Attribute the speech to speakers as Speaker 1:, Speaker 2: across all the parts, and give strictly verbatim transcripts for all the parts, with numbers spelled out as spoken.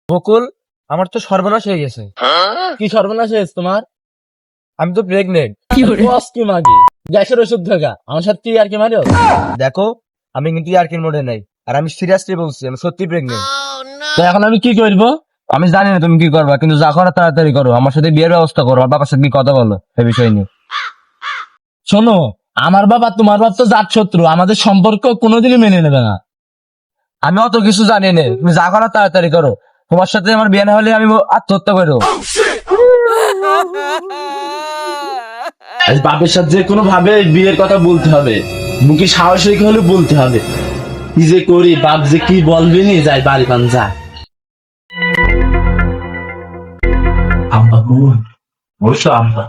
Speaker 1: বকুল, আমার তো সর্বনাশ হয়ে গেছে। কি সর্বনাশ হয়েছে তোমার? আমি তো প্রেগনেন্ট। কি মাগি গ্যাসের ওষুধ থাকা আমার সাথে আর কি মারো? দেখো, আমি কিন্তু আর কি মোড়ে নাই, আর আমি সিরিয়াসলি বলছি আমি সত্যি প্রেগনেন্ট। তো এখন আমি কি করবো? আমি জানি না তুমি কি করবা, কিন্তু যা করার তাড়াতাড়ি করো। আমার সাথে বিয়ের ব্যবস্থা করো, আর বাবার সাথে কথা বলো এই বিষয় নিয়ে। শোনো, আমার বাবা তোমার বাবা তো জাত শত্রু, আমাদের সম্পর্ক কোনোদিনই মেনে নেবে না। আমি অত কিছু জানি না, তুমি যা করার তাড়াতাড়ি করো। তোমার সাথে আমার বিয়ে না হলে আমি আত্মহত্যা করবো।
Speaker 2: বাপের সাথে যে কোনো ভাবে বিয়ের কথা বলতে হবে, মুখে সাহস রেখে হলে বলতে হবে। কি যে করি, বাপ যে কি বলবে নি, যাই বাড়ি পান যা। আব্বা কোন? বসো আব্বা।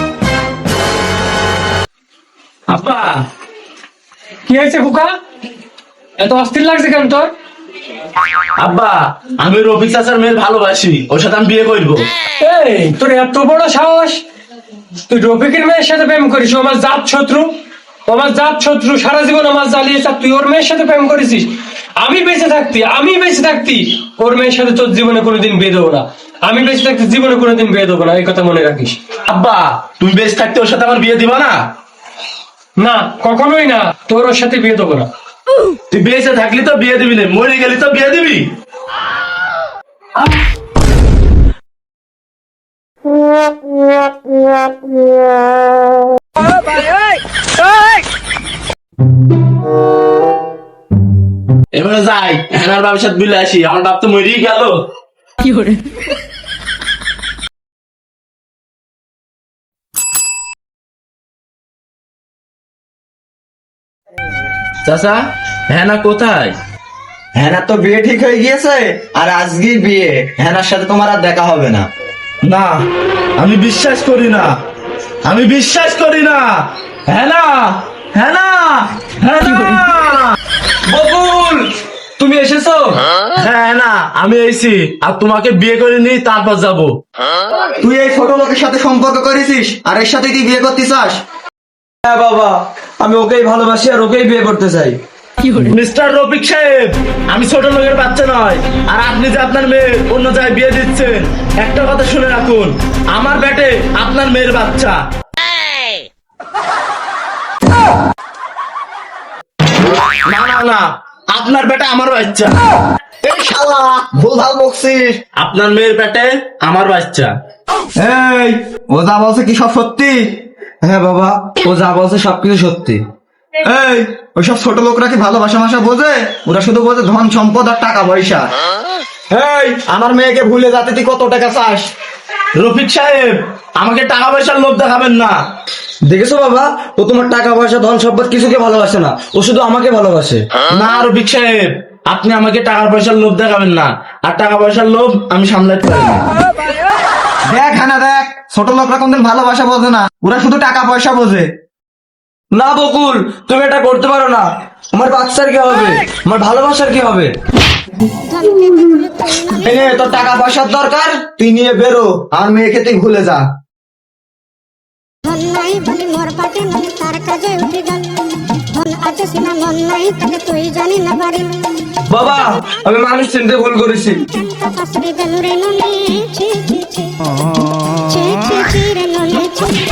Speaker 3: আব্বা, কি হয়েছে খোকা? এত অস্থির লাগছে কেন তোর?
Speaker 2: আব্বা, আমি রফিক চাচার মেয়ের ভালোবাসি, ওর সাথে আমি বিয়ে করবো।
Speaker 3: এই তোর এত বড় সাহস, তুই রফিকের মেয়ের সাথে প্রেম করিস? ও আমার জাত শত্রু, ও আমার জাত শত্রু, সারা জীবন আমার জ্বালিয়েছে, আর তুই ওর মেয়ের সাথে প্রেম করেছিস? আমি বেঁচে থাকতি আমি বেঁচে থাকতি ওর মেয়ের সাথে তোর জীবনে কোনোদিন বিয়ে দেবো না। আমি বেঁচে থাকতে জীবনে কোনোদিন বিয়ে দেবো না, এই কথা মনে রাখিস।
Speaker 2: আব্বা, তুমি বেশ থাকতে ওর সাথে আমার বিয়ে দিবা না?
Speaker 3: না, কখনোই না, তোর ওর সাথে বিয়ে দেবো না।
Speaker 2: তুই বেঁচে থাকলি তো বিয়ে দিবি না, মরে গেলি তো বিয়ে দিবি। এবারে যাই, আমার বাবার সাথে বিলে আসি। আমার বাপ তো মরেই গেল। চাচা, হ্যাঁ কোথায়?
Speaker 4: হ্যানার তো বিয়ে ঠিক হয়ে গিয়েছে, আর আজকেই বিয়ে। হ্যানার সাথে তোমার আর দেখা হবে না।
Speaker 2: না, আমি বিশ্বাস করি না, আমি বিশ্বাস করি না। হ্যাঁ না, হ্যাঁ না, হ্যাঁ না।
Speaker 3: বকুল, তুমি এসেছো?
Speaker 2: হ্যাঁ না, আমি এসেছি। আর তোমাকে বিয়ে করে নিই, তারপর যাবো।
Speaker 4: তুই এই ছোট লোকের সাথে সম্পর্ক করেছিস, আর এর সাথে তুই বিয়ে করতে চাস?
Speaker 1: হ্যাঁ বাবা, আমি ওকেই ভালোবাসি আর ওকেই বিয়ে করতে চাই।
Speaker 2: মিস্টার রফিক সাহেব, আমি ছোট লোকের বাচ্চা নয়। আর আপনি যে আপনার মেয়ে অন্য জায়গায় বিয়ে দিচ্ছেন, একটা কথা শুনে রাখুন, আমার বেটে আপনার মেয়ের বাচ্চা। না না না, আপনার বেটা আমার বাচ্চা।
Speaker 4: এই শালা ভুলভাল বকছিস।
Speaker 2: আপনার মেয়ের পেটে আমার বাচ্চা।
Speaker 4: এই, ও যা বলছে কি সব সত্যি?
Speaker 1: হ্যাঁ বাবা, ও যা বলছে সবকিছু সত্যি।
Speaker 4: এই, ওইসব ছোট লোকরা কি ভালোবাসা মাসা বোঝে? ওরা শুধু বোঝে ধন সম্পদ আর টাকা পয়সা। এই, আমার মেয়েকে ভুলে যাতে তুই কত টাকা চাস?
Speaker 2: রফিক সাহেব, আমাকে টাকা পয়সার লোভ দেখাবেন না।
Speaker 1: দেখেছো বাবা, ও তোমার টাকা পয়সা ধন সম্পদ কিছুকে ভালোবাসে না, ও শুধু আমাকে ভালোবাসে।
Speaker 2: না রফিক সাহেব, আপনি আমাকে টাকা পয়সার লোভ দেখাবেন না। আর টাকা পয়সার লোভ আমি সামলাতে পারি না।
Speaker 4: দেখ হ্যাঁ দেখ, ছোট লোকরা কোনদিন ভালোবাসা বোঝে না, ওরা শুধু টাকা পয়সা বোঝে।
Speaker 1: না বকুল, তুমি এটা করতে পারো না। আমার বাচ্চার কি হবে, আমার ভালোবাসার কি হবে?
Speaker 4: এই নে, তোর টাকা পয়সার দরকার, তুই নিয়ে বেরো, আর মেয়েকে তুই ভুলে যা।
Speaker 5: ধন নাই বলি মোর পাটে নয়, তার কাজে উঠে গেল। ধন আছে সিনা মন নাই, তাকে তুই জানি না পারি।
Speaker 1: বাবা, আমি মানুষ চিনতে ভুল করেছি।
Speaker 5: কাছরে গেল রে ননে, ছি ছি ছি ছি ছি ছি রে ননে ছি।